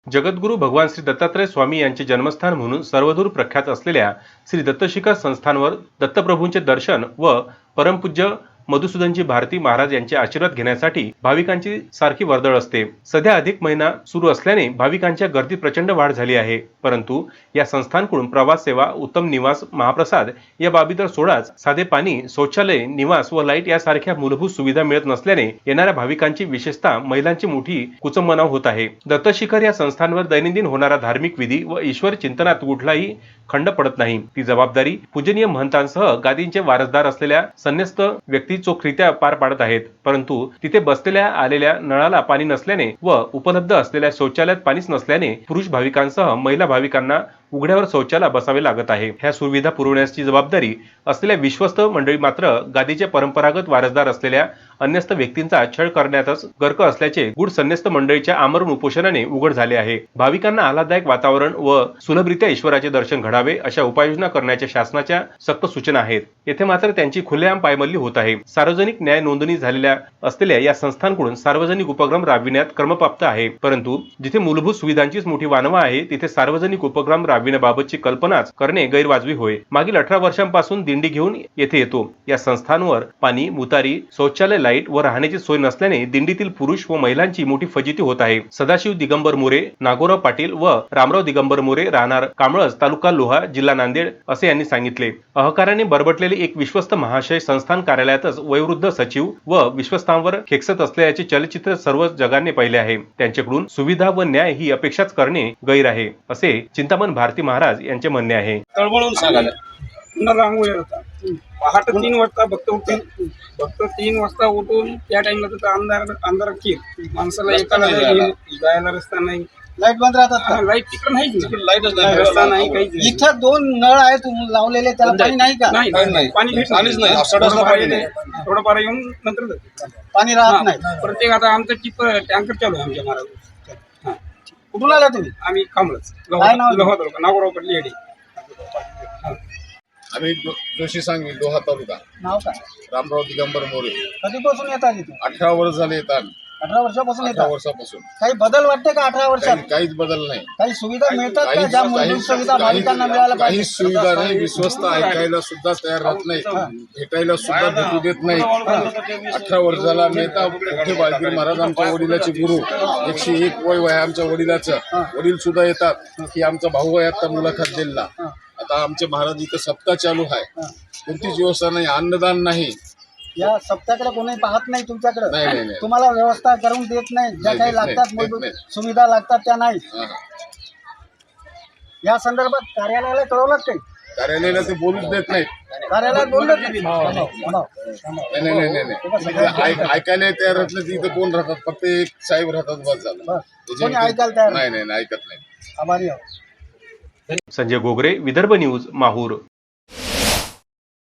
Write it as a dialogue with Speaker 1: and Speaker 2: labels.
Speaker 1: जगद्गुरू भगवान श्री दत्तात्रय स्वामी यांचे जन्मस्थान म्हणून सर्वदूर प्रख्यात असलेल्या श्री दत्तशिखर संस्थानवर दत्तप्रभूंचे दर्शन व परमपूज्य मधुसूदनजी भारती महाराज यांचे आशीर्वाद घेण्यासाठी भाविकांची सारखी वर्दळ असते। सध्या अधिक महिना सुरू असल्याने भाविकांच्या गर्दीत प्रचंड वाढ झाली आहे, परंतु या संस्थांकडून प्रवास सेवा, उत्तम निवास, महाप्रसाद या बाबी तर सोडाच, साधे पाणी, शौचालय, निवास व लाईट यासारख्या मूलभूत सुविधा मिळत नसल्याने येणाऱ्या भाविकांची, विशेषतः महिलांची मोठी कुचंबनाव होत आहे। दत्तशिखर या संस्थांवर दैनंदिन होणारा धार्मिक विधी व ईश्वर चिंतनात कुठलाही खंड पडत नाही। ती जबाबदारी पूजनीय महंतांसह गादींचे वारसदार असलेल्या संन्यस्त व्यक्ती चोखरित्या पार पाडत आहेत, परंतु तिथे बसलेल्या आलेल्या नळाला पाणी नसल्याने व उपलब्ध असलेल्या शौचालयात पाणीच नसल्याने पुरुष भाविकांसह महिला भाविकांना उघड्यावर शौचाला बसावे लागत आहे। ह्या सुविधा पुरवण्याची जबाबदारी असलेल्या विश्वस्त मंडळी मात्र गादीचे परंपरागत वारसदार असलेल्या अन्यस्त व्यक्तींचा छळ करण्यातच गर्क असल्याचे गूढ संन्यस्त मंडळीच्या आमरण उपोषणाने उघड झाले आहे। भाविकांना आल्हाददायक वातावरण व सुलभरित्या ईश्वराचे दर्शन घडावे अशा उपाययोजना करण्याच्या शासनाच्या सक्त सूचना आहेत। येथे मात्र त्यांची खुलेआम पायमल्ली होत आहे। सार्वजनिक न्याय नोंदणी झालेल्या असलेल्या या संस्थांकडून सार्वजनिक उपक्रम राबविण्यात क्रमप्राप्त आहे, परंतु जिथे मूलभूत सुविधांचीच मोठी वानवा आहे तिथे सार्वजनिक उपक्रम राबविण्याबाबतची कल्पनाच करणे गैरवाजवी होय। मागील 18 वर्षांपासून दिंडी घेऊन येथे येतो। या संस्थांवर पाणी, मुतारी, शौचालय, लाईट व राहण्याची सोय नसल्याने दिंडीतील पुरुष व महिलांची मोठी फजिती होत आहे। सदाशिव दिगंबर मोरे, नागोराव पाटील व रामराव दिगंबर मोरे, राहणार कामळज, तालुका लोहा, जिल्हा नांदेड असे यांनी सांगितले। अहकाराने बरबटलेले एक विश्वस्त महाशय संस्थान कार्यालयातच वयोवृद्ध सचिव व विश्वस्तांवर खेकसत असल्याचे चलचित्र सर्व जगाने पाहिले आहे। त्यांच्याकडून सुविधा व न्याय ही अपेक्षाच करणे गैर आहे, असे चिंतामण भारती महाराज यांचे म्हणणे आहे।
Speaker 2: तळमळून सांगायला पुन्हा रांगोळी होता पहाटे 3 वाजता फक्त 3 वाजता उठून त्या टाइमला तर अंधार कीर माणसाला एकाला जायला रस्ता नाही।
Speaker 3: लाईट बंद राहतात का?
Speaker 2: लाईट तिकडे नाहीच, लाईटच नाही, रस्ता नाही, काहीच नाही।
Speaker 3: इथं 2 नळ आहेत लावलेले, त्याला पाणी नाही का?
Speaker 2: नाही, पाणी पाणीच नाही, थोडं पारा येऊन नंतर
Speaker 3: पाणी राहत नाही।
Speaker 2: प्रत्येक आता आमचं टिप टँकर चालू आहे आमच्या महाराज।
Speaker 3: कुठून आला तुम्ही?
Speaker 2: आम्ही कामळच
Speaker 3: काय नाव?
Speaker 2: नागोराव पडली येडी।
Speaker 4: आम्ही जोशी सांगली लोहा तालुका।
Speaker 3: नाव काय?
Speaker 4: रामराव दिगंबर मोरे।
Speaker 3: कधीपासून येतात इथे?
Speaker 4: 18 वर्ष झाले येतात।
Speaker 3: 18 वर्षापासून
Speaker 4: 18
Speaker 3: येतात।
Speaker 4: वर्षापासून
Speaker 3: काही बदल वाटते का 18 वर्षात?
Speaker 4: काहीच बदल नाही।
Speaker 3: काही सुविधा मिळतात का ज्या मूलभूत सुविधा भाविकांना मिळायला
Speaker 4: काही
Speaker 3: पाहिजे?
Speaker 4: सुविधा नाही। विश्वस्त ऐकायला सुद्धा तयार राहत नाही, भेटायला सुद्धा भेटू देत नाही। 18 वर्षाला आम्ही येतात। मोठे बाळगीर महाराज आमच्या वडिलाचे गुरु, 101 वय आहे आमच्या वडिलाचं। वडील सुद्धा येतात की आमचा भाऊ आहे आता मुलाखत दिला। आता आमचे महाराज इथं सप्ताह चालू आहे, कोणतीच व्यवस्था नाही, अन्नदान नाही।
Speaker 3: या सप्त्याकडे कोणी पाहत नाही तुमच्याकडे?
Speaker 4: नाही।
Speaker 3: तुम्हाला व्यवस्था करून देत नाही, ज्या काही लागतात मूलभूत सुविधा लागतात त्या नाही। या संदर्भात कार्यालयाला कळवलं काही?
Speaker 4: कार्यालयाला ते बोलूच देत नाहीत।
Speaker 3: कार्यालयात बोललं नाही?
Speaker 4: नाही। ऐकायला तयार राहत नाही। तिथं कोण राहतात? फक्त एक साहेब राहतात, बस झालं।
Speaker 3: कोणी ऐकायला तयार
Speaker 4: नाही, ऐकत नाही।
Speaker 3: आभारी आहोत।
Speaker 1: संजय गोगरे, विदर्भ न्यूज, माहूर।